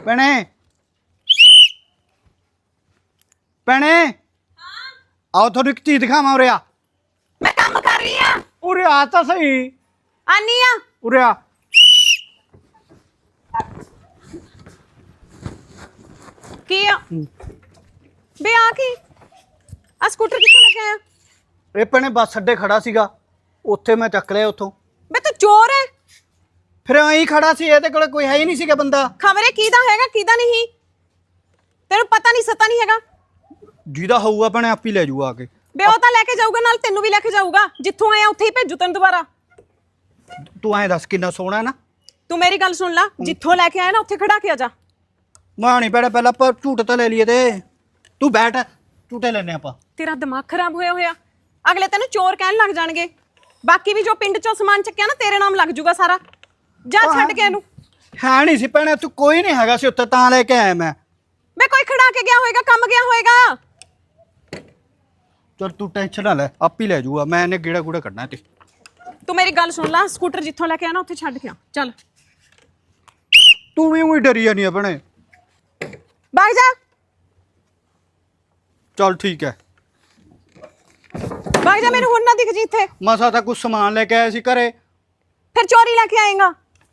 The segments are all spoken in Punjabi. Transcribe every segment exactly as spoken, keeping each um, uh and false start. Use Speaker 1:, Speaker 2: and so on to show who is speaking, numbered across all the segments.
Speaker 1: ਭੈਣੇ ਭੈਣੇ ਆਓ ਤੁਹਾਨੂੰ ਇੱਕ ਚੀਜ਼ ਦਿਖਾਵਾਂ ਉਰੇ ਆ।
Speaker 2: ਮੈਂ ਕੰਮ ਕਰ ਰਹੀ ਆ।
Speaker 1: ਉਰੇ ਆ ਤਾਂ ਸਹੀ।
Speaker 2: ਆਨੀ ਆ।
Speaker 1: ਉਰੇ ਆ।
Speaker 2: ਕੀ ਆ ਬੇ ਆ ਕੀ ਆ ਸਕੂਟਰ ਕਿੱਥੋਂ ਲੈ ਕੇ ਆਇਆ?
Speaker 1: ਇਹ ਭੈਣੇ ਬੱਸ ਅੱਡੇ ਖੜਾ ਸੀਗਾ, ਉੱਥੇ ਮੈਂ ਚੱਕ ਲਿਆ ਉੱਥੋਂ।
Speaker 2: ਬੇ ਤੂੰ ਚੋਰ ਹੈ।
Speaker 1: ਫਿਰ ਐਂ ਖੜਾ ਸੀ, ਇਹਦੇ ਕੋਲ ਕੋਈ ਹੈ ਹੀ ਨਹੀਂ ਸੀਗਾ ਬੰਦਾ।
Speaker 2: ਖਬਰੇ ਕਿਹਦਾ ਹੈਗਾ ਕਿਹਦਾ ਨਹੀਂ, ਤੈਨੂੰ ਪਤਾ ਨਹੀਂ ਸਤਾ ਨਹੀਂ ਹੈਗਾ।
Speaker 1: ਜਿਹਦਾ ਹੋਊਗਾ ਭੈਣੇ ਆਪ ਹੀ ਲੈ ਜਾਊਗਾ ਆ ਕੇ।
Speaker 2: ਬੇ ਉਹ ਤਾਂ ਲੈ ਕੇ ਜਾਊਗਾ, ਨਾਲ ਤੈਨੂੰ ਵੀ ਲੈ ਕੇ ਜਾਊਗਾ। ਜਿੱਥੋਂ ਆਇਆ ਉੱਥੇ ਹੀ ਭੇਜੂ ਤੈਨੂੰ ਦੁਬਾਰਾ।
Speaker 1: ਤੂੰ ਐਂ ਦੱਸ ਕਿੰਨਾ ਸੋਹਣਾ ਨਾ।
Speaker 2: ਤੂੰ ਮੇਰੀ ਗੱਲ ਸੁਣ ਲੈ, ਜਿੱਥੋਂ ਲੈ ਕੇ ਆਇਆ ਨਾ ਉੱਥੇ ਖੜਾ ਕੇ ਆ ਜਾ।
Speaker 1: ਮਾਂ ਨਹੀਂ ਭੈਣੇ, ਪਹਿਲਾਂ ਆਪਾਂ ਝੂਟ ਤਾਂ ਲੈ ਲਈਏ ਤੇ ਤੂੰ ਬੈਠ, ਝੂਟੇ ਲੈਨੇ ਆਪਾਂ।
Speaker 2: ਤੇਰਾ ਦਿਮਾਗ ਖਰਾਬ ਹੋਇਆ ਹੋਇਆ। ਅਗਲੇ ਤੈਨੂੰ ਚੋਰ ਕਹਿਣ ਲੱਗ ਜਾਣਗੇ। ਬਾਕੀ ਵੀ ਜੋ ਪਿੰਡ ਚੋਂ ਸਮਾਨ ਚੱਕਿਆ ਨਾ ਤੇਰੇ ਨਾਮ ਲੱਗ ਜੂਗਾ ਸਾਰਾ। ਜਾ ਛੱਡ ਕੇ ਇਹਨੂੰ।
Speaker 1: ਹੈ ਨਹੀਂ ਸੀ ਭੈਣੇ, ਤੂੰ ਕੋਈ ਨਹੀਂ ਹੈਗਾ ਸੀ ਉੱਥੇ, ਤਾਂ ਲੈ ਕੇ ਆਇਆ ਮੈਂ।
Speaker 2: ਮੈਂ ਕੋਈ ਖੜਾ ਕੇ ਗਿਆ ਹੋਏਗਾ, ਕੰਮ ਗਿਆ ਹੋਏਗਾ।
Speaker 1: ਚਲ ਤੂੰ ਟੈਨਸ਼ਨ ਨਾ ਲੈ, ਆਪ ਹੀ ਲੈ ਜਾਊਗਾ। ਮੈਂ ਇਹਨੇ ਗੇੜਾ ਗੂੜਾ ਕੱਢਣਾ ਤੇ।
Speaker 2: ਤੂੰ ਮੇਰੀ ਗੱਲ ਸੁਣ ਲੈ, ਸਕੂਟਰ ਜਿੱਥੋਂ ਲੈ ਕੇ ਆਇਆ ਨਾ ਉੱਥੇ ਛੱਡ ਕੇ ਆ। ਚੱਲ
Speaker 1: ਤੂੰ ਵੀ ਉਹੀ ਡਰੀ ਜਾਨੀ ਆ ਭੈਣੇ।
Speaker 2: ਭਾਗ ਜਾ।
Speaker 1: ਚਲ ਠੀਕ ਹੈ,
Speaker 2: ਭਾਗ ਜਾ, ਮੈਨੂੰ ਹੁਣ ਨਾ ਦਿਖ ਜੀ ਇੱਥੇ।
Speaker 1: ਮਸਾ ਤਾਂ ਕੁਝ ਸਮਾਨ ਲੈ ਕੇ ਆਇਆ ਸੀ ਘਰੇ।
Speaker 2: ਫਿਰ ਚੋਰੀ ਲੈ ਕੇ ਆਏਗਾ।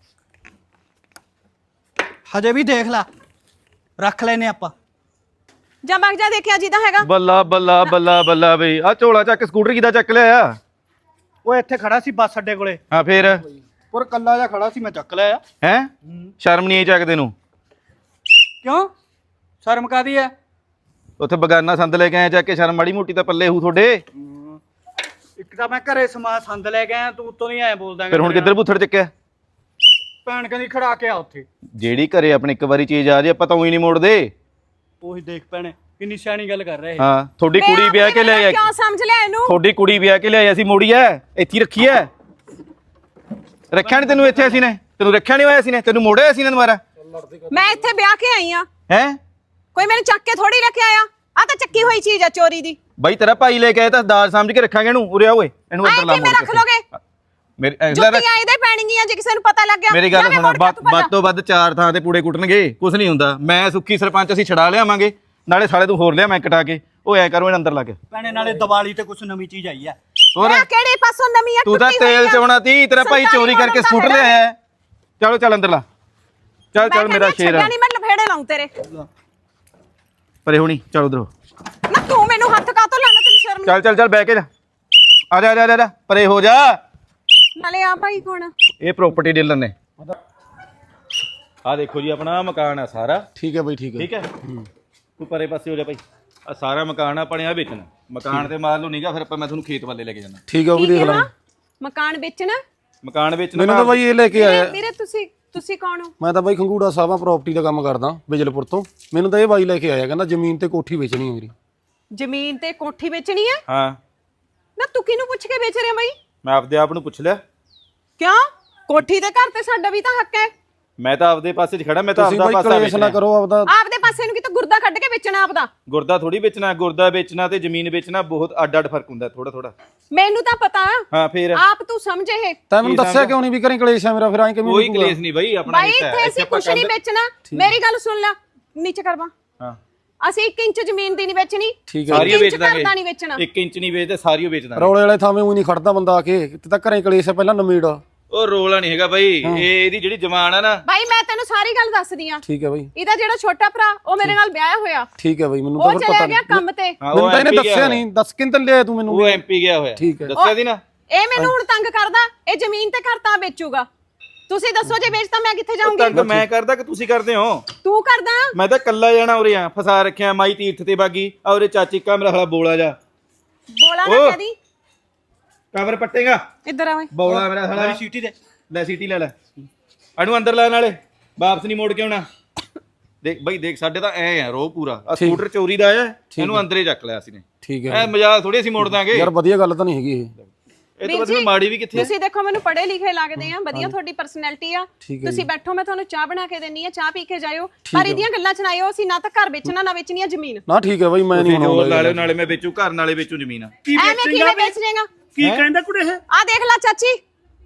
Speaker 1: ਹਜੇ ਵੀ ਦੇਖ ਲੈ, ਰੱਖ ਲੈਨੇ ਆਪਾਂ।
Speaker 2: ਜਾ ਭਾਗ ਜਾ, ਦੇਖਿਆ ਜਿਹਦਾ ਹੈਗਾ।
Speaker 3: ਬੱਲਾ ਬੱਲਾ ਬੱਲਾ ਬੱਲਾ ਬਈ ਆ ਝੋਲਾ ਚੱਕ ਸਕੂਟਰ ਕਿਦਾ ਚੱਕ ਲਿਆ?
Speaker 1: ਉਹ ਇੱਥੇ ਖੜਾ ਸੀ ਬੱਸ ਅੱਡੇ ਕੋਲੇ,
Speaker 3: ਹਾਂ ਫੇਰ
Speaker 1: ਪਰ ਕੱਲਾ ਜਿਹਾ ਖੜਾ ਸੀ, ਮੈਂ ਚੱਕ ਲਿਆ।
Speaker 3: ਹੈ ਸ਼ਰਮ ਨਹੀਂ ਆਈ ਚੱਕਦੇ ਨੂੰ?
Speaker 1: ਕਿਉਂ ਸ਼ਰਮ ਕਾਦੀ ਹੈ?
Speaker 3: ਉੱਥੇ ਬਗਾਨਾ ਸੰਦ ਲੈ ਕੇ ਆਇਆ ਚੱਕ ਕੇ, ਸ਼ਰਮ ਮਾੜੀ ਮੋਟੀ ਤਾਂ ਪੱਲੇ ਹੂ ਤੁਹਾਡੇ।
Speaker 1: ਇੱਕ ਤਾਂ ਮੈਂ ਘਰੇ ਸਮਾਨ ਸੰਦ ਲੈ ਕੇ ਆਇਆ, ਤੂੰ ਉੱਤੋਂ ਨਹੀਂ ਐ ਬੋਲਦਾ।
Speaker 3: ਫਿਰ ਹੁਣ ਕਿੱਧਰ ਬੁੱਥੜ ਚੱਕਿਆ?
Speaker 1: ਭੈਣ ਕਹਿੰਦੀ ਖੜਾ ਕੇ ਆ ਉੱਥੇ।
Speaker 3: ਜਿਹੜੀ ਘਰੇ ਆਪਣੇ ਇੱਕ ਵਾਰੀ ਚੀਜ਼ ਆ ਜੇ ਆਪਾਂ ਤਾਂ ਉਹੀ ਨਹੀਂ ਮੋੜਦੇ।
Speaker 1: ਉਹੀ ਦੇਖ ਭੈਣੇ ਕਿੰਨੀ ਸਿਆਣੀ ਗੱਲ ਕਰ ਰਹੇ।
Speaker 3: ਹਾਂ ਤੁਹਾਡੀ ਕੁੜੀ ਵਿਆਹ ਕੇ ਲਿਆਇਆ।
Speaker 2: ਕਿਉਂ ਸਮਝ ਲਿਆ ਇਹਨੂੰ?
Speaker 3: ਤੁਹਾਡੀ ਕੁੜੀ ਵਿਆਹ ਕੇ ਲਿਆਇਆ ਸੀ, ਮੋੜੀ ਐ ਇੱਥੇ ਰੱਖੀ ਐ। ਰੱਖਿਆ ਨਹੀਂ ਤੈਨੂੰ ਇੱਥੇ ਅਸੀਂ ਨੇ? ਤੈਨੂੰ ਰੱਖਿਆ ਨਹੀਂ ਹੋਇਆ ਸੀ ਨੇ? ਤੈਨੂੰ ਮੋੜਿਆ ਸੀ ਨੇ ਦੁਬਾਰਾ?
Speaker 2: ਮੈਂ ਇੱਥੇ ਵਿਆਹ ਕੇ ਆਈ ਆ।
Speaker 3: ਹੈ
Speaker 2: ਕੋਈ ਮੈਨੂੰ ਚੱਕ ਕੇ ਥੋੜੀ ਲੈ ਕੇ ਆਇਆ। ਆ ਤਾਂ ਚੱਕੀ ਹੋਈ ਚੀਜ਼ ਆ ਚੋਰੀ ਦੀ।
Speaker 3: ਬਾਈ ਤੇਰਾ ਭਾਈ ਲੈ ਕੇ ਆਇਆ ਤਾਂ ਦਾਜ ਸਮਝ ਕੇ ਰੱਖਾਂਗੇ ਇਹਨੂੰ। ਉਰੇ ਆ ਓਏ, ਇਹਨੂੰ ਇੱਧਰ ਲਾ
Speaker 2: ਆਏ ਕਿਵੇਂ ਰੱਖ ਲੋਗੇ?
Speaker 3: ਮੇਰੇ
Speaker 2: ਜੁੱਤੀਆਂ ਇਹਦੇ ਪੈਣਗੀਆਂ ਜੇ ਕਿਸੇ ਨੂੰ ਪਤਾ ਲੱਗ ਗਿਆ।
Speaker 3: ਮੇਰੀ ਗੱਲ ਸੁਣ, ਵੱਧ ਤੋਂ ਵੱਧ ਚਾਰ ਥਾਂ ਤੇ ਪੂੜੇ ਕੁੱਟਣਗੇ, ਕੁਝ ਨਹੀਂ ਹੁੰਦਾ। ਮੈਂ ਸੁੱਖੀ ਸਰਪੰਚ ਅਸੀਂ ਛਡਾ ਲਿਆਵਾਂਗੇ, ਨਾਲੇ ਸਾਲੇ ਤੂੰ ਹੋਰ ਲਿਆ ਮੈਂ ਕਟਾ ਕੇ। ਉਹ ਐ ਕਰੋ ਇਹਨਾਂ ਅੰਦਰ ਲਾ ਕੇ।
Speaker 1: ਭੈਣੇ ਨਾਲੇ ਦੀਵਾਲੀ ਤੇ ਕੁਝ ਨਵੀਂ ਚੀਜ਼ ਆਈ ਹੈ।
Speaker 3: ਹੋਰ
Speaker 2: ਕਿਹੜੇ ਪਾਸੋਂ ਨਵੀਂ ਆ?
Speaker 3: ਤੂੰ ਤਾਂ ਤੇਲ ਚੋਣਾ ਤੀ, ਤੇਰਾ ਭਾਈ ਚੋਰੀ ਕਰਕੇ ਸਕੂਟਰ ਲਿਆਇਆ। ਚਲੋ ਚੱਲ ਅੰਦਰ ਲਾ, ਚੱਲ ਚੱਲ ਮੇਰਾ ਸ਼ੇਰ ਆ।
Speaker 2: ਨਹੀਂ ਮੈਂ ਲਫੇੜੇ ਲਾਉਂ ਤੇਰੇ
Speaker 3: ਪਰੇ ਹੋਣੀ, ਚੱਲ ਉਧਰੋਂ।
Speaker 2: ਨਾ ਤੂੰ ਮੈਨੂੰ ਹੱਥ ਕਾਤੋਂ ਲਾਣਾ? ਤੈਨੂੰ ਸ਼ਰਮ
Speaker 3: ਚੱਲ ਚੱਲ ਚੱਲ ਬਹਿ ਕੇ ਜਾ, ਆ ਜਾ ਆ ਜਾ, ਪਰੇ ਹੋ ਜਾ।
Speaker 2: ਨਾਲੇ ਆ ਭਾਈ ਕੌਣ?
Speaker 3: ਇਹ ਪ੍ਰਾਪਰਟੀ ਡੀਲਰ ਨੇ। ਆ ਦੇਖੋ ਜੀ ਆਪਣਾ ਮਕਾਨ ਆ ਸਾਰਾ।
Speaker 4: ਠੀਕ ਹੈ ਬਾਈ, ਠੀਕ ਹੈ
Speaker 3: ਠੀਕ ਹੈ, ਤੂੰ ਪਰੇ ਪਾਸੇ ਹੋ ਜਾ ਭਾਈ। ਆ ਸਾਰਾ ਮਕਾਨ ਆਪਣੇ ਆ ਵੇਚਣਾ। ਮਕਾਨ ਤੇ ਮਾਰ ਲਓ ਨੀਗਾ, ਫਿਰ ਆਪਾਂ ਮੈਂ ਤੁਹਾਨੂੰ ਖੇਤ ਵੱਲੇ ਲੈ ਕੇ ਜਾਣਾ।
Speaker 4: ਠੀਕ ਹੈ ਉਹ ਵੀ ਦੇਖ ਲਾਂਗੇ।
Speaker 2: ਮਕਾਨ ਵੇਚਣਾ?
Speaker 3: ਮਕਾਨ ਵੇਚਣਾ
Speaker 4: ਮੈਨੂੰ ਤਾਂ ਬਾਈ ਇਹ ਲੈ ਕੇ ਆਇਆ।
Speaker 2: ਵੀਰੇ ਤੁਸੀਂ ਤੁਸੀਂ ਕੌਣ ਹੋ?
Speaker 4: ਮੈਂ ਤਾਂ ਬਾਈ ਖੰਗੂੜਾ ਸਾਹਿਬਾਂ ਪ੍ਰਾਪਰਟੀ ਦਾ ਕੰਮ ਕਰਦਾ ਬਿਜਲਪੁਰ ਤੋਂ। ਮੈਨੂੰ ਤਾਂ ਇਹ ਬਾਈ ਲੈ ਕੇ ਆਇਆ, ਕਹਿੰਦਾ ਜ਼ਮੀਨ ਤੇ ਕੋਠੀ ਵੇਚਣੀ ਹੈ ਮੇਰੀ।
Speaker 2: ਜ਼ਮੀਨ ਤੇ ਕੋਠੀ ਵੇਚਣੀ ਹੈ?
Speaker 3: ਹਾਂ।
Speaker 2: ਨਾ ਤੂੰ ਕਿਹਨੂੰ ਪੁੱਛ ਕੇ ਵੇਚ ਰਿਹਾ ਬਾਈ?
Speaker 3: ਮੈਂ ਆਪਦੇ ਆਪ ਨੂੰ ਪੁੱਛ ਲਿਆ।
Speaker 2: ਕਿਉਂ? ਕੋਠੀ ਦੇ ਘਰ ਤੇ ਸਾਡਾ ਵੀ ਤਾਂ ਹੱਕ ਹੈ।
Speaker 3: ਮੈਂ ਤਾਂ ਆਪਦੇ ਪਾਸੇ 'ਚ ਖੜਾ, ਮੈਂ ਤਾਂ
Speaker 4: ਤੁਸੀਂ
Speaker 3: ਆਪਦਾ
Speaker 4: ਬਾਈ
Speaker 3: ਪਾਸਾ
Speaker 4: ਕਲੇਸ਼ ਨਾ
Speaker 3: ਵੇਚਣਾ।
Speaker 4: ਕਰੋ ਆਪਦਾ।
Speaker 2: ਆਪਦੇ ਪਾਸੇ ਨੂੰ ਕਿਤੇ ਗੁਰਦਾ ਕੱਢ ਕੇ ਵੇਚਣਾ ਆਪਦਾ।
Speaker 3: ਗੁਰਦਾ ਥੋੜੀ ਵੇਚਣਾ, ਗੁਰਦਾ ਵੇਚਣਾ ਤੇ ਜ਼ਮੀਨ ਵੇਚਣਾ ਬਹੁਤ ਅੱਡ ਅੱਡ ਫਰਕ ਹੁੰਦਾ, ਥੋੜਾ ਥੋੜਾ।
Speaker 2: ਮੈਨੂੰ ਤਾਂ ਪਤਾ।
Speaker 3: ਹਾਂ ਫੇਰ
Speaker 2: ਆਪ ਤੂੰ ਸਮਝ ਇਹ।
Speaker 4: ਤੈਨੂੰ ਮੈਨੂੰ ਦੱਸਿਆ ਕਿਉਂ ਨਹੀਂ ਵੀ ਘਰੇ ਕਲੇਸ਼ ਹੈ ਮੇਰਾ? ਫਿਰ ਐਂ ਕਿਵੇਂ
Speaker 3: ਕੋਈ ਕਲੇਸ਼ ਨਹੀਂ ਬਾਈ, ਆਪਣਾ
Speaker 2: ਬਾਈ ਇੱਥੇ ਅਸੀਂ ਕੁਛ ਨਹੀਂ ਵੇਚਣਾ। ਮੇਰੀ ਗੱਲ ਸੁਣ ਲੈ, ਨੀਚੇ ਕਰਵਾ।
Speaker 3: ਹਾਂ
Speaker 2: ਅਸੀਂ ਇੱਕ ਇੰਚ ਜ਼ਮੀਨ ਦੀ ਨਹੀਂ ਵੇਚਣੀ।
Speaker 4: ਠੀਕ ਹੈ,
Speaker 3: ਸਾਰੀ ਵੇਚ ਦਾਂਗੇ।
Speaker 2: ਨਹੀਂ ਵੇਚਣਾ।
Speaker 3: ਇੱਕ ਇੰਚ ਨਹੀਂ ਵੇਚਦੇ, ਸਾਰੀ ਵੇਚ ਦਾਂਗੇ।
Speaker 4: ਰੌਲੇ ਵਾਲੇ ਥਾਵੇਂ ਉਹ ਨਹੀਂ ਖੜਦਾ ਬੰਦਾ ਆ ਕੇ। ਤੇ ਤਾਂ ਘਰੇ ਕਲੇਸ਼ ਹੈ, ਪਹਿਲਾਂ ਨਮੀੜ।
Speaker 3: ਉਹ ਰੋਲਾ ਨਹੀਂ ਹੈਗਾ ਬਾਈ, ਇਹ ਇਹਦੀ ਜਿਹੜੀ ਜ਼ਮਾਨ ਆ ਨਾ।
Speaker 2: ਬਾਈ ਮੈਂ ਤੈਨੂੰ ਸਾਰੀ ਗੱਲ ਦੱਸਦੀ ਆ।
Speaker 4: ਠੀਕ ਹੈ ਬਾਈ।
Speaker 2: ਇਹਦਾ ਜਿਹੜਾ ਛੋਟਾ ਭਰਾ ਉਹ ਮੇਰੇ ਨਾਲ ਵਿਆਹਿਆ ਹੋਇਆ।
Speaker 4: ਠੀਕ ਹੈ ਬਾਈ, ਮੈਨੂੰ
Speaker 2: ਉਹ
Speaker 4: ਤਾਂ ਫਿਰ
Speaker 2: ਚਲੇ
Speaker 4: ਪਤਾ
Speaker 2: ਗਿਆ
Speaker 4: ਨਹੀਂ।
Speaker 2: ਕੰਮ ਤੇ।
Speaker 3: ਹਾਂ,
Speaker 4: ਮੈਨੂੰ
Speaker 3: ਉਹ
Speaker 4: ਤਾਂ ਇਹਨੇ
Speaker 3: ਐਮ ਪੀ ਗਿਆ
Speaker 4: ਦੱਸਿਆ ਨਹੀਂ। ਦੱਸ ਕਿੰਨ ਤੇ ਲਿਆ ਤੂੰ ਮੈਨੂੰ?
Speaker 3: ਉਹ ਐਮਪੀ ਗਿਆ ਹੋਇਆ।
Speaker 4: ਠੀਕ ਹੈ।
Speaker 3: ਦੱਸਿਆ ਸੀ ਨਾ।
Speaker 2: ਇਹ ਮੈਨੂੰ ਹੁਣ ਤੰਗ ਕਰਦਾ। ਇਹ ਜ਼ਮੀਨ ਤੇ ਘਰ ਤਾਂ ਵੇਚੂਗਾ। ਤੁਸੀਂ ਦੱਸੋ ਜੇ ਵੇਚਦਾ ਮੈਂ ਕਿੱਥੇ
Speaker 3: ਤੰਗ
Speaker 2: ਜਾਊਂਗੀ?
Speaker 3: ਮੈਂ ਕਰਦਾ ਕਿ ਤੁਸੀਂ ਕਰਦੇ ਹੋ?
Speaker 2: ਤੂੰ ਕਰਦਾ?
Speaker 3: ਮੈਂ ਤਾਂ ਕੱਲਾ ਜਾਣਾ ਉਰੇ ਆ, ਫਸਾ ਰੱਖਿਆ ਮਾਈ ਤੀਰਥ ਤੇ ਬਾਗੀ। ਆ ਉਰੇ ਚਾਚੀ ਕਾ ਮੇਰਾ ਹਲਾ ਬੋਲਾ ਜਾ।
Speaker 2: ਬੋਲਾ ਨਾ ਕਹਦੀ।
Speaker 3: ਕਵਰ ਪੱਟੇਗਾ
Speaker 2: ਇੱਧਰ ਆ ਓਏ।
Speaker 3: ਬੋਲਾ ਮੇਰਾ ਹਲਾ।
Speaker 1: ਸੀਟੀ ਦੇ
Speaker 3: ਲੈ ਸੀਟੀ ਲੈ ਲੈ, ਇਹਨੂੰ ਅੰਦਰ ਲੈ, ਨਾਲੇ ਵਾਪਸ ਨਹੀਂ ਮੋੜ ਕੇ ਆਉਣਾ। ਦੇਖ ਬਾਈ ਦੇਖ, ਸਾਡੇ ਤਾਂ ਐ ਆ ਰੋ ਪੂਰਾ। ਆ ਸਕੂਟਰ ਚੋਰੀ ਦਾ ਆਇਆ, ਇਹਨੂੰ ਅੰਦਰੇ ਚੱਕ ਲਿਆ ਅਸੀਂ ਨੇ।
Speaker 4: ਠੀਕ ਹੈ
Speaker 3: ਐ ਮਜ਼ਾਕ ਥੋੜੀ ਅਸੀਂ ਮੋੜ ਦਾਂਗੇ
Speaker 4: ਯਾਰ, ਵਧੀਆ ਗੱਲ ਤਾਂ ਨਹੀਂ ਹੈਗੀ ਇਹ।
Speaker 3: ਇਹ ਤਾਂ ਬਸ ਮਾੜੀ ਵੀ ਕਿੱਥੇ।
Speaker 2: ਤੁਸੀਂ ਦੇਖੋ ਮੈਨੂੰ ਪੜ੍ਹੇ ਲਿਖੇ ਲੱਗਦੇ ਆ, ਵਧੀਆ ਤੁਹਾਡੀ ਪਰਸਨੈਲਿਟੀ ਆ। ਤੁਸੀਂ ਬੈਠੋ, ਮੈਂ ਤੁਹਾਨੂੰ ਚਾਹ ਬਣਾ ਕੇ ਦੇਣੀ ਆ, ਚਾਹ ਪੀ ਕੇ ਜਾਇਓ। ਪਰ ਇਹਦੀਆਂ ਗੱਲਾਂ ਚ ਨਾ ਆਇਓ। ਅਸੀਂ ਨਾ ਤਾਂ ਘਰ ਵੇਚਣਾ ਨਾ ਵੇਚਣੀ ਆ ਜ਼ਮੀਨ।
Speaker 4: ਨਾ ਠੀਕ ਹੈ ਬਾਈ, ਮੈਂ ਨਹੀਂ
Speaker 3: ਹੋਰ ਨਾਲੇ ਨਾਲੇ ਮੈਂ ਵੇਚੂ ਘਰ, ਨਾਲੇ ਵੇਚੂ ਜ਼ਮੀਨ।
Speaker 2: ਐਵੇਂ ਕਿਵੇਂ ਵੇਚ ਜਾਏਗਾ?
Speaker 1: ਕੀ ਕਹਿੰਦਾ ਕੁੜੇ ਇਹ?
Speaker 2: ਆ ਦੇਖ ਲੈ ਚਾਚੀ,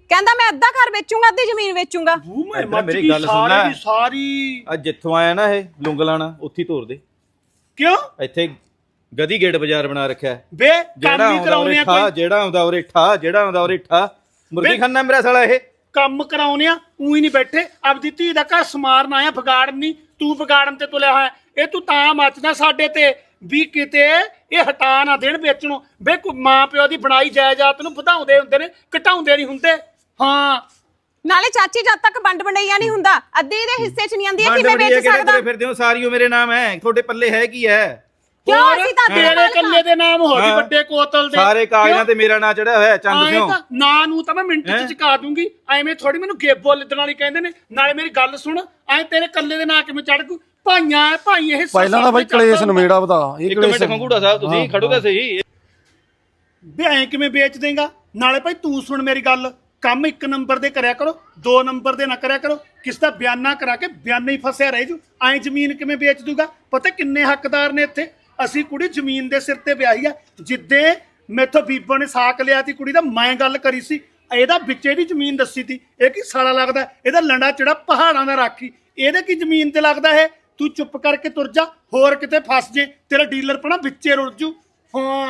Speaker 2: ਕਹਿੰਦਾ ਮੈਂ ਅੱਧਾ ਘਰ ਵੇਚੂੰਗਾ ਅੱਧੀ ਜ਼ਮੀਨ ਵੇਚੂੰਗਾ।
Speaker 5: ਬੂ ਮੈਂ
Speaker 3: ਇੱਧਰ
Speaker 5: ਮੱਝ
Speaker 3: ਮੇਰੀ
Speaker 5: ਦੀ
Speaker 3: ਗੱਲ ਸੁਣ
Speaker 5: ਸਾਰੀ
Speaker 3: ਲੈ।
Speaker 5: ਦੀ ਸਾਰੀ
Speaker 3: ਅੱਜ ਜਿੱਥੋਂ ਆਇਆ ਨਾ ਇਹ ਲੁੰਗਲਾਣਾ ਉੱਥੇ ਹੀ ਤੋਰ ਦੇ।
Speaker 5: ਕਿਉਂ
Speaker 3: ਇੱਥੇ ਗਦੀ ਗੇਟ ਬਾਜ਼ਾਰ ਬਣਾ ਰੱਖਿਆ ਹੈ।
Speaker 5: ਬੇ
Speaker 3: ਜਿਹੜਾ
Speaker 5: ਕੰਮ ਹੀ
Speaker 3: ਆਉਂਦਾ
Speaker 5: ਕਰਾਉਣੇ
Speaker 3: ਉਰੇ
Speaker 5: ਆ
Speaker 3: ਠਾ,
Speaker 5: ਕੋਈ
Speaker 3: ਜਿਹੜਾ ਆਉਂਦਾ ਉਰੇ ਠਾ, ਜਿਹੜਾ ਆਉਂਦਾ ਉਰੇ ਠਾ। ਮੁਰਗੀ ਖਾਨਾ ਮੇਰਾ ਸਾਲਾ ਇਹ।
Speaker 5: ਕੰਮ ਕਰਾਉਣੇ ਆ ਉਹੀ ਨਹੀਂ ਬੈਠੇ ਆਪਦੀ ਧੀ ਦਾ ਘਰ ਸਮਾਰਨ ਆਇਆ ਵਿਗਾੜਨ ਨਹੀਂ ਤੂੰ ਵਿਗਾੜਨ ਤੇ ਤੁਲਿਆ ਹੋਇਆ ਇਹ ਤੂੰ ਤਾਂ ਮੱਚਦਾ ਸਾਡੇ ਤੇ ਵੀ ਕਿਤੇ ਇਹ ਹਟਾ ਨਾ ਦੇਣ ਵੇਚਣੋਂ ਬੇ ਕੋਈ ਮਾਂ ਪਿਓ ਦੀ ਬਣਾਈ ਜਾਇਦਾਦ ਨੂੰ ਵਧਾਉਂਦੇ ਹੁੰਦੇ ਨੇ ਘਟਾਉਂਦੇ ਨਹੀਂ ਹੁੰਦੇ ਹਾਂ
Speaker 2: ਨਾਲੇ ਚਾਚੀ ਜਦ ਤੱਕ ਵੰਡ ਵੰਡਈਆ ਨਹੀਂ ਹੁੰਦਾ ਅੱਧੀ ਦੇ ਹਿੱਸੇ 'ਚ ਨਹੀਂ ਆਂਦੀ ਕਿਵੇਂ
Speaker 3: ਵੰਡ
Speaker 2: ਵੇਚ
Speaker 3: ਵੰਡੀਆਂ ਕਿਹੜੇ
Speaker 2: ਸਕਦਾ।
Speaker 3: ਤੁਰੇ ਫਿਰਦੇ ਹੋ ਸਾਰੀ ਉਹ ਮੇਰੇ ਨਾਮ ਹੈ ਤੁਹਾਡੇ ਪੱਲੇ ਹੈ ਕੀ ਹੈ?
Speaker 2: ਕਿਉਂ
Speaker 5: ਹੋਰ
Speaker 2: ਅਸੀਂ ਤਾਂ
Speaker 5: ਤੇਰੇ
Speaker 2: ਨਾਲ
Speaker 5: ਕੱਲੇ ਦੇ ਨਾਮ ਹੋ ਗਏ
Speaker 3: ਹਾਂ।
Speaker 5: ਵੱਡੇ ਕੋਤਲ ਦੇ
Speaker 3: ਸਾਰੇ ਕਾਗਜ਼ਾਂ ਤੇ ਮੇਰਾ ਨਾਂ ਚੜਿਆ ਹੋਇਆ ਹੈ, ਚੰਦ
Speaker 5: ਆਏਂ
Speaker 3: ਸਿਓ।
Speaker 5: ਤਾਂ ਨਾਂ ਨੂੰ ਤਾਂ ਮੈਂ ਮਿੰਟ
Speaker 3: ਹੈਂ?
Speaker 5: ਚ ਚੁਕਾ ਦੂੰਗੀ ਐਵੇਂ ਥੋੜੀ ਮੈਨੂੰ ਗੇਬੋ ਲਿੱਦਣ ਵਾਲੀ ਕਹਿੰਦੇ ਨੇ ਨਾਲੇ ਮੇਰੀ ਗੱਲ ਸੁਣ ਐ ਤੇਰੇ ਕੱਲੇ ਦੇ ਨਾਂ ਕਿਵੇਂ ਚੜ ਗੂ ਭਾਈਆਂ ਐ ਭਾਈ ਇਹ
Speaker 4: ਪਹਿਲਾਂ ਤਾਂ ਬਾਈ ਕਲੇਸ਼ ਨਵੇੜਾ ਬਤਾ ਇਹ
Speaker 3: ਇੱਕ
Speaker 4: ਕਲੇਸ਼
Speaker 3: ਮਿੰਟ ਖੰਗੂੜਾ ਸਾਹਿਬ ਤੁਸੀਂ ਖੜੋ ਤਾਂ ਸਹੀ।
Speaker 5: ਵੀ ਐ ਕਿਵੇਂ ਵੇਚ ਦੇਂਗਾ ਨਾਲੇ ਭਾਈ ਤੂੰ ਸੁਣ ਮੇਰੀ ਗੱਲ ਕੰਮ ਇੱਕ ਨੰਬਰ ਦੇ ਕਰਿਆ ਕਰੋ ਦੋ ਨੰਬਰ ਦੇ ਨਾ ਕਰਿਆ ਕਰੋ ਕਿਸ ਦਾ ਬਿਆਨਾ ਕਰਾ ਕੇ ਬਿਆਨਾ ਹੀ ਫਸਿਆ ਰਹਿ ਜੂ ਐ ਜ਼ਮੀਨ ਕਿਵੇਂ ਵੇਚ ਦੂਗਾ ਪਤਾ ਕਿੰਨੇ ਹੱਕਦਾਰ ਨੇ ਇੱਥੇ ਅਸੀਂ ਕੁੜੀ ਜ਼ਮੀਨ ਦੇ ਸਿਰ ਤੇ ਵਿਆਹੀ ਆ ਜਿੱਦੇ ਮੈਥੋਂ ਬੀਬੋ ਨੇ ਸਾਕ ਲਿਆ ਤੀ ਕੁੜੀ ਦਾ ਮੈਂ ਗੱਲ ਕਰੀ ਸੀ ਇਹਦਾ ਵਿੱਚੇ ਦੀ ਜ਼ਮੀਨ ਦੱਸੀ ਤੀ ਇਹ ਕੀ ਸਾਲਾ ਲੱਗਦਾ ਇਹਦਾ ਲੰਡਾ ਚੜਾ ਪਹਾੜਾਂ ਦਾ ਰਾਖੀ ਇਹਦੇ ਕੀ ਜ਼ਮੀਨ ਤੇ ਲੱਗਦਾ ਇਹ ਤੂੰ ਚੁੱਪ ਕਰਕੇ ਤੁਰ ਜਾ ਹੋਰ ਕਿਤੇ ਫਸ ਜੇ ਤੇਰਾ ਡੀਲਰ ਪਣਾ ਵਿੱਚੇ ਰੁੜ ਜੂ ਹਾਂ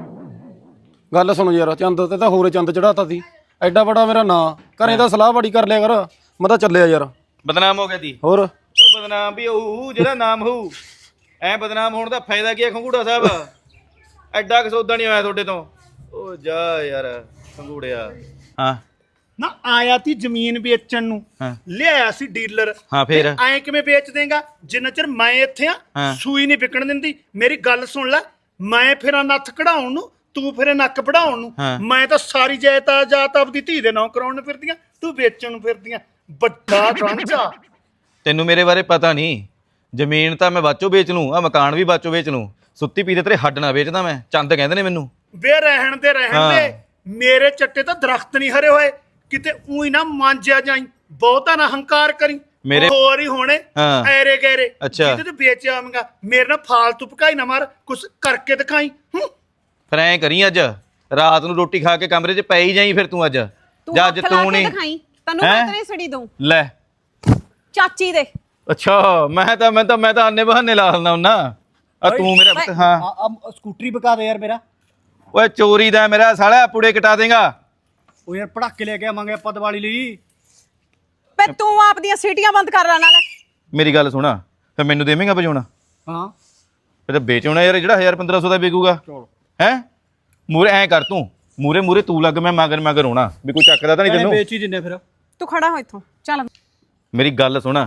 Speaker 4: ਗੱਲ ਸੁਣੋ ਯਾਰ ਚੰਦ ਤੇ ਤਾਂ ਹੋਰੇ ਚੰਦ ਚੜਾਤਾ ਸੀ ਐਡਾ ਬੜਾ ਮੇਰਾ ਨਾਂ ਘਰੇ ਤਾਂ ਸਲਾਹ ਬੜੀ ਕਰ ਲਿਆ ਕਰ ਮੈਂ ਤਾਂ ਚੱਲਿਆ ਯਾਰ
Speaker 3: ਬਦਨਾਮ ਹੋ ਗਿਆ ਦੀ
Speaker 4: ਹੋਰ
Speaker 3: ਉਹ ਬਦਨਾਮ ਵੀ ਹੋਊ ਜਿਹੜਾ ਨਾਮ ਹੋਊ ਐ ਬਦਨਾਮ ਹੋਣ ਦਾ ਫਾਇਦਾ ਕੀ ਹੈ ਖੰਗੂੜਾ ਸਾਹਿਬ? ਐਡਾ ਕਸੌਦਾ ਨਹੀਂ ਹੋਇਆ ਤੁਹਾਡੇ ਤੋਂ। ਉਹ ਜਾ ਯਾਰ ਖੰਗੂੜਿਆ। ਹਾਂ
Speaker 5: ਨਾ ਆਇਆ ਤੀ ਜ਼ਮੀਨ ਵੇਚਣ ਨੂੰ
Speaker 3: ਹਾਂ।
Speaker 5: ਲਿਆਇਆ ਸੀ ਡੀਲਰ
Speaker 3: ਹਾਂ ਫੇਰ
Speaker 5: ਐ ਕਿਵੇਂ ਵੇਚ ਦੇਂਗਾ ਜਿੰਨਾ ਚਿਰ ਮੈਂ ਇੱਥੇ ਆ
Speaker 3: ਹਾਂ।
Speaker 5: ਸੂਈ ਨਹੀਂ ਵਿਕਣ ਦਿੰਦੀ ਮੇਰੀ ਗੱਲ ਸੁਣ ਲੈ ਮੈਂ ਫਿਰਾਂ ਨੱਥ ਕਢਾਉਣ ਨੂੰ ਤੂੰ ਫਿਰੇ ਨੱਕ ਵਢਾਉਣ ਨੂੰ
Speaker 3: ਹਾਂ।
Speaker 5: ਮੈਂ ਤਾਂ ਸਾਰੀ ਜਾਇਦਾਦ ਜਾਤ ਆਪਦੀ ਧੀ ਦੇ ਨਾਂ ਕਰਾਉਣ ਨੂੰ ਫਿਰਦੀਆਂ ਤੂੰ ਵੇਚਣ ਨੂੰ ਫਿਰਦੀਆਂ ਵੱਡਾ ਰਾਂਝਾ
Speaker 3: ਤੈਨੂੰ ਮੇਰੇ ਬਾਰੇ ਪਤਾ ਨਹੀਂ। ਜ਼ਮੀਨ ਤਾਂ ਮੈਂ ਬਾਚੋ ਵੇਚ ਲੂੰ, ਆ ਮਕਾਨ ਵੀ ਬਾਚੋ ਵੇਚ ਲੂੰ। ਸੁੱਤੀ ਪੀਤੇ ਤੇਰੇ ਹੱਡ ਨਾ ਵੇਚਦਾ ਮੈਂ। ਚੰਦ ਕਹਿੰਦੇ ਨੇ ਮੈਨੂੰ।
Speaker 5: ਵੇ ਰਹਿਣ ਦੇ ਰਹਿਣ
Speaker 3: ਹਾਂ।
Speaker 5: ਦੇ ਮੇਰੇ ਚੱਟੇ ਤਾਂ ਦਰਖਤ ਨਹੀਂ ਹਰੇ ਹੋਏ ਕਿਤੇ ਉਹੀ ਨਾ ਮਾਂਜਿਆ ਜਾਈ ਬਹੁਤਾ ਨਾ ਹੰਕਾਰ ਕਰੀ
Speaker 3: ਮੇਰੇ-
Speaker 5: ਹੋਰ ਹੀ ਹੋਣੇ
Speaker 3: ਹਾਂ।
Speaker 5: ਐਰੇ ਗੈਰੇ
Speaker 3: ਅੱਛਾ।
Speaker 5: ਜਿਹਦੇ ਤੇ ਵੇਚ ਆਵਾਂਗਾ ਮੇਰੇ ਨਾਲ ਫਾਲਤੂ ਭਕਾਈ ਨਾ ਮਾਰ ਕੁਛ ਕਰਕੇ ਦਿਖਾਈ ਹੂੰ
Speaker 3: ਫਿਰ ਐਂ ਕਰੀ ਅੱਜ ਰਾਤ ਨੂੰ ਰੋਟੀ ਖਾ ਕੇ ਕਮਰੇ 'ਚ ਪੈ ਹੀ ਜਾਈ ਫਿਰ ਤੂੰ ਅੱਜ।
Speaker 2: ਤੂੰ
Speaker 3: ਜਾਂ ਅੱਜ
Speaker 2: ਹੱਥ ਲਾ
Speaker 3: ਤੂੰ
Speaker 2: ਕੇ
Speaker 3: ਨਹੀਂ
Speaker 2: ਦਿਖਾਈ ਤੈਨੂੰ
Speaker 3: ਹੈਂ?
Speaker 2: ਮੈਂ ਤੇਰੇ ਸੜੀ ਦਊਂ
Speaker 3: ਲੈ।
Speaker 2: ਚਾਚੀ ਦੇ
Speaker 3: ਅੱਛਾ ਮੈਂ ਤਾਂ ਮੈਂ ਤਾਂ ਮੈਂ ਤਾਂ ਆਨੇ ਬਹਾਨੇ ਲਾ ਲੈਂਦਾ ਹੁੰਨਾ। ਆ ਤੂੰ ਮੇਰਾ ਪੁੱਤ- ਹਾਂ
Speaker 1: ਆ ਆ ਸਕੂਟਰੀ ਬਕਾ ਦੇ ਯਾਰ ਮੇਰਾ।
Speaker 3: ਓਏ ਚੋਰੀ ਦਾ ਮੇਰਾ ਸਾਲਾ ਪੁੜੇ ਕਟਾ ਦੇਗਾ।
Speaker 1: ਉਹ ਯਾਰ ਪੜਾਕੇ ਲੈ ਕੇ ਆਵਾਂਗੇ ਆਪਾਂ ਦੀਵਾਲੀ ਲਈ।
Speaker 2: ਵੇ ਤੂੰ ਆਪਦੀਆਂ ਸੀਟੀਆਂ ਬੰਦ ਕਰ ਲੈ ਨਾਲ
Speaker 3: ਮੇਰੀ ਗੱਲ ਸੁਣਾ ਫਿਰ ਮੈਨੂੰ ਦੇਵੇਂਗਾ ਵਜਾਉਣਾ?
Speaker 1: ਹਾਂ
Speaker 3: ਫਿਰ ਤਾਂ ਵੇਚਣਾ ਯਾਰ ਜਿਹੜਾ ਹਜ਼ਾਰ ਪੰਦਰਾਂ ਸੌ ਦਾ ਵਿਕੂਗਾ ਹੈ। ਮੂਰੇ ਐਂ ਕਰ ਤੂੰ ਮੂਰੇ ਮੂਰੇ ਤੂੰ ਲੱਗ ਮੈਂ ਮਗਰ ਮਗਰ ਹੋਣਾ ਵੀ ਕੋਈ ਚੱਕਦਾ ਤਾਂ ਨਹੀਂ ਤੈਨੂੰ।
Speaker 1: ਵੇਚ ਹੀ ਦਿੰਨੇ ਫਿਰ।
Speaker 2: ਤੂੰ ਖੜਾ ਹੋ ਇੱਥੋਂ ਚੱਲ
Speaker 3: ਮੇਰੀ ਗੱਲ ਸੁਣਾ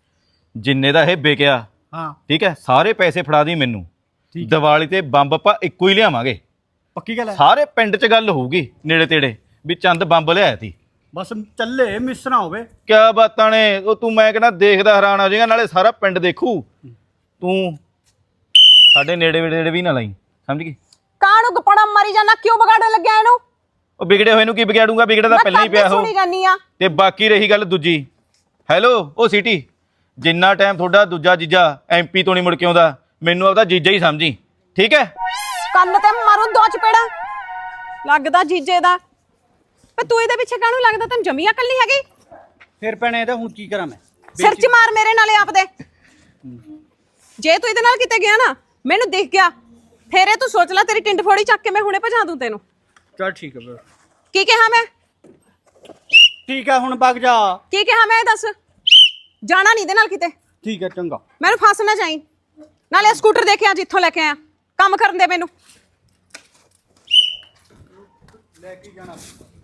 Speaker 3: ਜਿੰਨੇ ਦਾ ਇਹ ਵਿਕਿਆ
Speaker 1: ਹਾਂ
Speaker 3: ਠੀਕ ਹੈ ਸਾਰੇ ਪੈਸੇ ਫੜਾ ਦੀ ਮੈਨੂੰ। ਦੀਵਾਲੀ ਤੇ ਬੰਬ ਆਪਾਂ ਇੱਕੋ ਹੀ ਲਿਆਵਾਂਗੇ।
Speaker 1: ਪੱਕੀ ਗੱਲ ਹੈ।
Speaker 3: ਸਾਰੇ ਪਿੰਡ 'ਚ ਗੱਲ ਹੋਊਗੀ ਨੇੜੇ ਤੇੜੇ ਵੀ ਚੰਦ ਬੰਬ ਲਿਆਇਆ ਤੀ।
Speaker 1: ਬਸ ਚੱਲੇ ਮਿਸ ਨਾ ਹੋਵੇ।
Speaker 3: ਕਿਆ ਬਾਤਾਂ ਨੇ ਉਹ ਤੂੰ ਮੈਂ ਕਹਿੰਦਾ ਦੇਖਦਾ ਹੈਰਾਨ ਹੋ ਜਾਏਗਾ ਨਾਲੇ ਸਾਰਾ ਪਿੰਡ ਦੇਖੂ। ਤੂੰ ਸਾਡੇ ਨੇੜੇ ਨੇੜੇ ਵੀ ਨਾ ਲਾਈ ਸਮਝ ਗਈ।
Speaker 2: ਕਾਹਨੂੰ ਗਪੜਾ ਮਾਰੀ ਜਾਣਾ ਕਿਉਂ ਵਿਗਾੜਨ ਲੱਗਿਆ ਇਹਨੂੰ?
Speaker 3: ਉਹ ਵਿਗੜੇ ਹੋਏ ਨੂੰ ਕੀ ਵਿਗਾੜੂਗਾ ਵਿਗੜਾ ਤਾਂ ਪਹਿਲਾਂ ਹੀ ਪਿਆ ਹੋ।
Speaker 2: ਸੁਣੀ ਜਾਨੀ ਆ
Speaker 3: ਤੇ ਬਾਕੀ ਰਹੀ ਗੱਲ ਦੂਜੀ ਹੈਲੋ ਉਹ ਸਿਟੀ ਜਿੰਨਾ ਟਾਈਮ ਤੁਹਾਡਾ ਦੂਜਾ ਜੀਜਾ ਐਮਪੀ ਤੋਂ ਨਹੀਂ ਮੁੜ ਕੇ ਆਉਂਦਾ ਮੈਨੂੰ ਆਪਦਾ ਜੀਜਾ ਹੀ ਸਮਝੀ ਠੀਕ ਹੈ।
Speaker 2: ਕੰਨ ਤੇ ਮਾਰੂ ਦੋ ਚਪੇੜਾ ਲੱਗਦਾ ਜੀਜੇ ਦਾ। ਪਰ ਤੂੰ ਇਹਦੇ ਪਿੱਛੇ ਕਾਹਨੂੰ ਲੱਗਦਾ ਤੈਨੂੰ ਜਮੀਆ ਕੱਲੀ ਹੈਗੀ?
Speaker 1: ਫਿਰ ਭੈਣੇ ਇਹਦਾ ਹੁਣ ਕੀ ਕਰਾਂ ਮੈਂ?
Speaker 2: ਸਿਰ 'ਚ ਮਾਰ ਮੇਰੇ ਨਾਲੇ ਆਪਦੇ। ਜੇ ਤੂੰ ਇਹਦੇ ਨਾਲ ਕਿਤੇ ਗਿਆ ਨਾ ਮੈਨੂੰ ਦਿਖ ਗਿਆ ਫੇਰ ਇਹ ਤੂੰ ਸੋਚ ਲੈ ਤੇਰੀ ਟਿੰਡ ਫੋੜੀ ਚੱਕ ਕੇ ਮੈਂ ਹੁਣੇ ਭਜਾ ਦੂੰ ਤੈਨੂੰ।
Speaker 1: ਚੱਲ ਠੀਕ ਹੈ ਫਿਰ।
Speaker 2: ਕੀ ਕਿਹਾ ਮੈਂ?
Speaker 1: ਠੀਕ ਹੈ ਹੁਣ ਵਗ ਜਾ।
Speaker 2: ਕੀ ਕਿਹਾ ਮੈਂ ਇਹ ਦੱਸ? ਜਾਣਾ ਨਹੀਂ ਇਹਦੇ ਨਾਲ ਕਿਤੇ।
Speaker 1: ਠੀਕ ਹੈ ਚੰਗਾ।
Speaker 2: ਮੈਨੂੰ ਫਸ ਨਾ ਜਾਈਂ ਨਾਲੇ ਸਕੂਟਰ ਦੇ ਕੇ ਆ ਜਿੱਥੋਂ ਲੈ ਕੇ ਆਇਆ ਕੰਮ ਕਰਨ ਦੇ ਮੈਨੂੰ।
Speaker 1: ਲੈ ਕੇ ਜਾਣਾ।